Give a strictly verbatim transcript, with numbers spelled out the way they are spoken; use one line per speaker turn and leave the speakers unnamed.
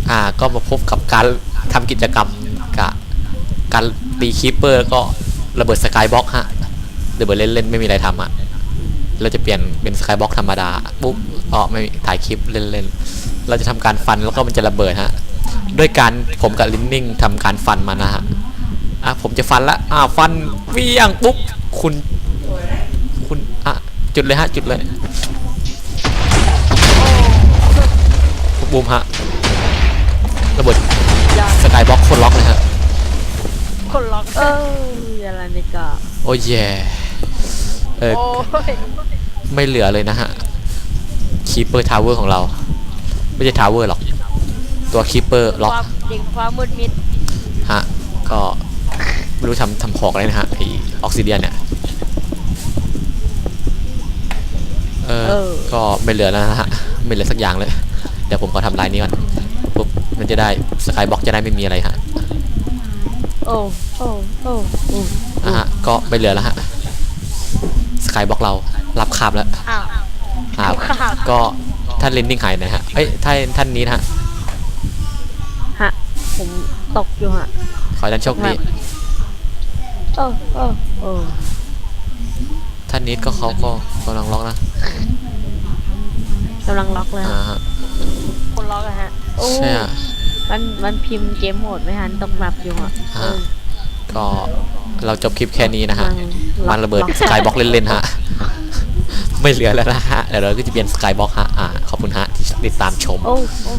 อ่าก็มาพบกับการทำกิจกรรมกับการตีคีปเปอร์ก็ระเบิดสกายบ็อกฮะระเบิดเล่นๆไม่มีอะไรทำอ่ะเราจะเปลี่ยนเป็นสกายบ็อกธรรมดาปุ๊บอ๋อไม่ถ่ายคลิปเล่นๆเราจะทำการฟันแล้วก็มันจะระเบิดฮะด้วยการผมกับลินนิ่งทำการฟันมานะฮะอ่ะผมจะฟันละอ่าฟันเวี่ยงปุ๊บคุณคุณอ่ะจุดเลยฮะจุดเลยบูมฮะระเบิดสกายบ็อกคนล็อกเลยฮะ
คนล็อก
เอออะไรนี่ก็
โอ้ยแย่เออไม่เหลือเลยนะฮะคีเปอร์ทาวเวอร์ของเราไม่ใช่ทาวเวอร์หรอกตัวคีเปอร์ล็อก
เด็กความมืดมิด
ฮะก็ไม่รู้ทำทำของอะไรนะฮะไอออกซิเดียนเนี่ยเออก็ไม่เหลือแล้วนะฮะไม่เหลือสักอย่างเลยเดี๋ยวผมก็ทำลายนี้ก่อนปุ๊บมันจะได้สกายบ็อกจะได้ไม่มีอะไรฮะ
โอ้โอ้โอ้โอ้
อ่ะฮะก็ไม่เหลือแล้วฮะสกายบ็อกเรารับคาบแล้ว
อ้าว
ครับก็ท่านเลนนิ่งหายนะฮะเอ้ยท่านท่านนี้นะฮะ
ฮะผมตกอยู่ฮะ
ขอให้ท่านโชคดี
โอ้โอ้โอ้
ท่านนี้ก็เขาก็กำลังล็อกนะ
กำลังล็อกเลย
อ่าฮะ
คนล็อกอะฮะ
โอ้
ใช่
มันมันพิมพ์เกมโหมดไม่ทันตกแมปอยู่อ่ะ
ก็เราจบคลิปแค่นี้นะฮะมันระเบิดสกายบ็อกเล่นๆฮะไม่เหลือแล้วนะฮะเดี๋ยวเราก็จะเปลี่ยนสกายบ็อกฮะอ่าขอบคุณฮะที่ติดตามชม